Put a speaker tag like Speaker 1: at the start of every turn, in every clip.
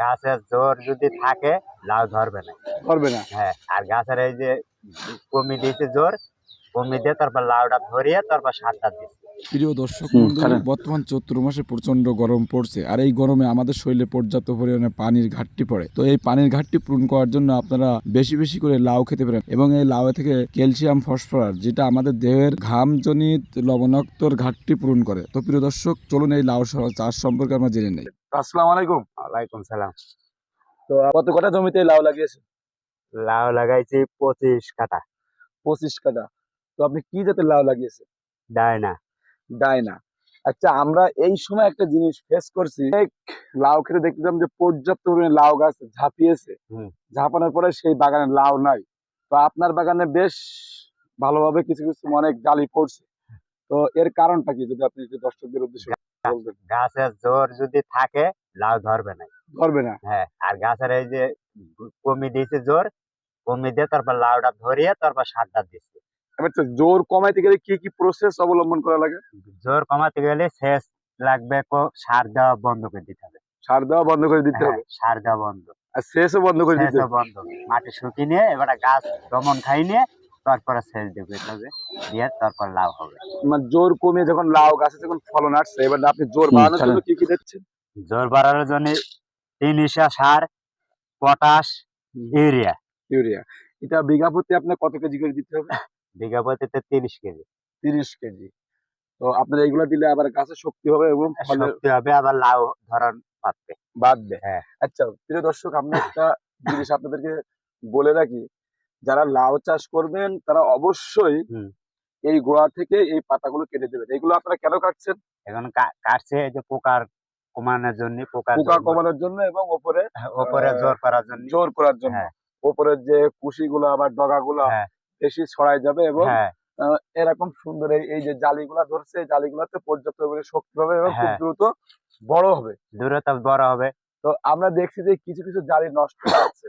Speaker 1: গাছের জোর যদি থাকে লাউ ধরবে না।
Speaker 2: ধরবে না।
Speaker 1: হ্যাঁ, আর গাছের এই যে কমি দিয়েছে জোর, কমি দিয়ে তারপর লাউটা ধরিয়ে তারপর সারটা দিচ্ছে।
Speaker 3: প্রিয় দর্শক
Speaker 2: হুম,
Speaker 3: মন্ডলী,
Speaker 2: কারণ
Speaker 3: বর্তমান চৈত্র মাসে প্রচন্ড গরম পড়ছে, আর এই গরমে আমাদের শরীরে পর্যাপ্ত পরিমাণে পানির ঘাটতি পড়ে। তো এই পানির ঘাটতি পূরণ করার জন্য আপনারা বেশি বেশি করে লাউ খেতে পারেন, এবং এই লাউ থেকে ক্যালসিয়াম, ফসফরাস, যেটা আমাদের দেহের ঘামজনিত লবণাক্তর ঘাটতি পূরণ করে। তো প্রিয় দর্শক, চলুন এই লাউ চাষ সম্পর্কে আমরা জেনে নেই।
Speaker 2: আসসালামু আলাইকুম।
Speaker 1: ওয়ালাইকুম সালাম।
Speaker 2: তো কত কাঠা জমিতে লাউ লাগিয়েছে?
Speaker 1: লাউ লাগাইছি 25 কাঠা।
Speaker 2: 25 কাঠা। তো আপনি কি জাতের লাউ লাগিয়েছেন?
Speaker 1: ডায়না।
Speaker 2: ডায়না। আচ্ছা, আমরা এই সময় একটা জিনিস ফেস করছি, লাউ খেতে দেখলাম যে পর্যাপ্ত পরিমাণে লাউ গাছ ঝাঁপিয়েছে। ঝাঁপানোর পরে সেই বাগানে লাউ নাই। তো আপনার বাগানে বেশ ভালোভাবে কিছু কিছু অনেক জালি পড়ছে। তো এর কারণটা কি, যদি আপনি একটু দর্শকদের উদ্দেশ্যে বলতেন।
Speaker 1: গাছের জোর যদি থাকে লাউ ধরবে না।
Speaker 2: ধরবে না।
Speaker 1: হ্যাঁ, আর গাছের এই যে কমি দিয়েছে জোর, কমি দিয়ে তারপর লাউটা ধরিয়ে তারপর সারটা দিচ্ছে।
Speaker 2: আচ্ছা, জোর কমাইতে গেলে কি কি প্রসেস অবলম্বন করা লাগে?
Speaker 1: জোর কমাতে গেলে সেচ লাগবে, সার দেওয়া বন্ধ করে দিতে হবে।
Speaker 2: সার দেওয়া বন্ধ করে দিতে
Speaker 1: হ্যাঁ,
Speaker 2: হবে।
Speaker 1: সার দেওয়া বন্ধ,
Speaker 2: আর সেচও বন্ধ করে দিতে
Speaker 1: সেচও
Speaker 2: হবে।
Speaker 1: বন্ধ। মাটি শুকিয়ে নিয়ে এবার গাছ দমন খাই নিয়ে তারপরে সেচ দেবে হবে, দিয়ে তারপর লাউ হবে।
Speaker 2: মানে জোর কমিয়ে যখন লাউ গাছে যখন ফলন আসছে, এবার আপনি জোর বাড়ানোর জন্য কি কি দিচ্ছেন?
Speaker 1: জোর বাড়ানোর জন্য 3 ইসা সার, পটাশ, ইউরিয়া।
Speaker 2: ইউরিয়া। এটা বিঘা প্রতি আপনার কত কেজি করে দিতে হবে?
Speaker 1: বিঘা প্রতিতে 30 কেজি।
Speaker 2: 30 কেজি। তো আপনার এইগুলা দিলে আবার গাছের শক্তি হবে এবং ফলের
Speaker 1: শক্তি হবে, আবার লাউ ধরন পাচ্ছে।
Speaker 2: বাড়বে।
Speaker 1: হ্যাঁ।
Speaker 2: আচ্ছা প্রিয় দর্শক, আমরা একটা জিনিস আপনাদেরকে বলে রাখি, যারা লাউ চাষ করবেন তারা অবশ্যই এই গোড়া থেকে এই পাতাগুলো কেটে দেবেন। এগুলো আপনারা কেন কাটছেন?
Speaker 1: এখন কাটছে এই যে পোকার কমানোর জন্য,
Speaker 2: পোকা কমানোর জন্য এবং ওপরে
Speaker 1: উপরে জোর করার জন্য।
Speaker 2: জোর করার জন্য।
Speaker 1: হ্যাঁ।
Speaker 2: ওপরের যে কুশিগুলো আবার ডগাগুলো
Speaker 1: হ্যাঁ,
Speaker 2: বেশি ছড়াই যাবে এবং
Speaker 1: হ্যাঁ,
Speaker 2: এরকম সুন্দর এই যে জালিগুলা ধরছে, এই জালিগুলাতে পর্যাপ্ত পরিমাণে শক্তি পাবে এবং খুব
Speaker 1: হ্যাঁ,
Speaker 2: দ্রুত বড় হবে।
Speaker 1: দূরত্ব বড় হবে।
Speaker 2: তো আমরা দেখছি যে কিছু কিছু জালি নষ্ট হয়ে যাচ্ছে।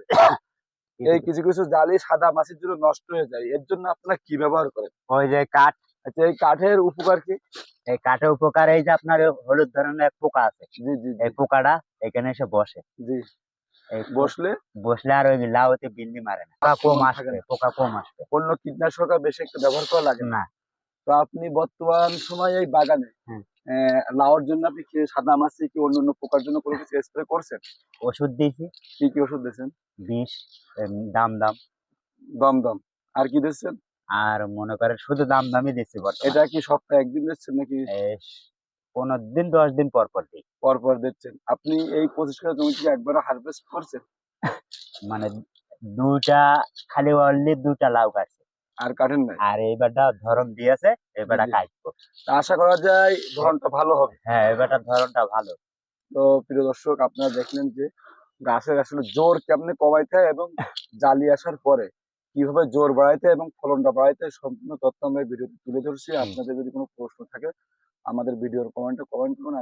Speaker 2: এই কিছু কিছু জালি সাদা মাছির জন্য নষ্ট হয়ে যায়। এর জন্য আপনারা কি ব্যবহার করেন?
Speaker 1: ওই যে কাঠ,
Speaker 2: আচ্ছা, এই কাঠের উপকার কি?
Speaker 1: এই কাঠের উপকার এই যে আপনার হলুদ ধরনের এক পোকা আছে,
Speaker 2: জি জি
Speaker 1: এই পোকাটা এখানে এসে বসে।
Speaker 2: জি।
Speaker 1: এই
Speaker 2: বসলে
Speaker 1: বসলে আর ওই লাউতে বিল্লি মারে না, পোকা কম আসবে, পোকা কম আসবে।
Speaker 2: অন্য কীটনাশক আর বেশি একটা ব্যবহার করা লাগে না।
Speaker 1: না।
Speaker 2: তো আপনি বর্তমান সময়ে এই বাগানে লাউর জন্য আপনি কি সাদা মাছি কি অন্য পোকার জন্য কোনো কিছু স্প্রে করছেন?
Speaker 1: ওষুধ দিয়েছি।
Speaker 2: কি কি ওষুধ দিয়েছেন?
Speaker 1: বিষ, দাম।
Speaker 2: দমদম। আর কি দিচ্ছেন?
Speaker 1: আর মনে করেন শুধু দামই দিচ্ছি বর্তমানে।
Speaker 2: এটা কি সপ্তাহে একদিন দিচ্ছেন নাকি
Speaker 1: 15 দিন 10 দিন পর পর দিই।
Speaker 2: পর পর দিচ্ছেন? আপনি এই 25 কাঠা জমি থেকে একবারও হারভেস্ট করছেন?
Speaker 1: মানে দুটা, খালি অনলি 2টা লাউ কাটছে,
Speaker 2: আর কাটেন নাই?
Speaker 1: আর এইবারটা ধরন দিয়েছে, এবারটা কাটবো।
Speaker 2: আশা করা যায় ধরনটা ভালো হবে।
Speaker 1: হ্যাঁ, এবারটা ধরনটা ভালো।
Speaker 2: তো প্রিয় দর্শক, আপনারা দেখলেন যে গাছের আসলে জোর কেমনে কমাইতে হয় এবং জালি আসার পরে কিভাবে জোর বাড়াইতে এবং ফলনটা বাড়াইতে হয়, সম্পূর্ণ তথ্য আমরা ভিডিওতে তুলে ধরছি। আপনাদের যদি কোনো প্রশ্ন থাকে আমাদের ভিডিওর কমেন্টে কমেন্ট করুন।